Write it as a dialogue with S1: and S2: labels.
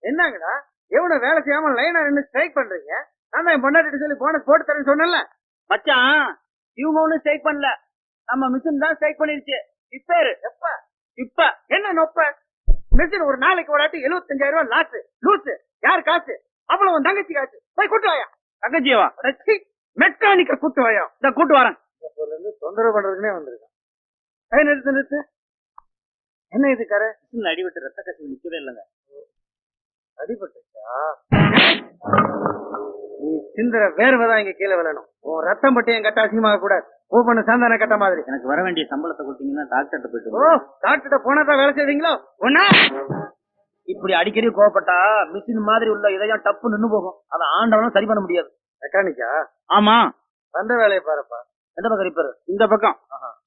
S1: என்னங்கடா எவ்வளவு வேலை செய்யாம லைனா நின்னு ஸ்ட்ரைக் பண்றீங்க? நான் தான் என் பொண்டாட்டி சொல்லி போனஸ் போட்டு தரேன்னு சொன்னேன்ல.
S2: மச்சான் இவங்க ஒண்ணும் ஸ்ட்ரைக் பண்ணல, நம்ம மிஷின் தான் ஸ்ட்ரைக் பண்ணிருச்சு. இப்ப
S1: எப்ப
S2: இப்ப
S1: என்ன நொப்ப? மிஷின் ஒரு நாளைக்கு ஒரு ஆட்டி 75,000 ரூபாய் லாஸ். லூசு. யார் காசு? அவ்வளவு உன் தங்கச்சி காசு. போய் கூட்டு வாயா.
S2: தங்கச்சியவா?
S1: மெக்கானிக்க கூட்டு வாயா.
S2: இந்த கூட்டு வரேன்.
S1: தொந்தரவு பண்றதுக்குனே வந்திருக்கான். நிறுத்து நிறுத்து. என்ன இது கரை?
S2: அடிபட்டு ரத்த கசிவு நிக்கவே இல்லைங்க.
S1: அடிபட்டுச்சா? நீ சிந்தர வேர்வைதான் இங்க கீழே விழணும். உன் ரத்தம் பட்டு என் கட்ட அசிங்கமாக கூடாது. ஓப்பண்ணு சாந்தான கட்ட மாதிரி.
S2: எனக்கு வர வேண்டிய சம்பளத்தை கொடுத்தீங்கன்னா டாக்டர்கிட்ட போயிட்டு.
S1: ஓ, டாக்டர்கிட்ட போனாதான் வேலை செய்வீங்களோ? ஒன்னா
S2: இப்படி அடிக்கடி கோவப்பட்டா மிஷின் மாதிரி உள்ள இதயம் டப்பு நின்னு போகும். அதை ஆண்டவனும் சரி பண்ண முடியாது.
S1: மெக்கானிக்கா?
S2: ஆமா.
S1: வந்த வேலையை பாருப்பா.
S2: எந்த பக்கம் ரிப்பேர்? இந்த பக்கம்.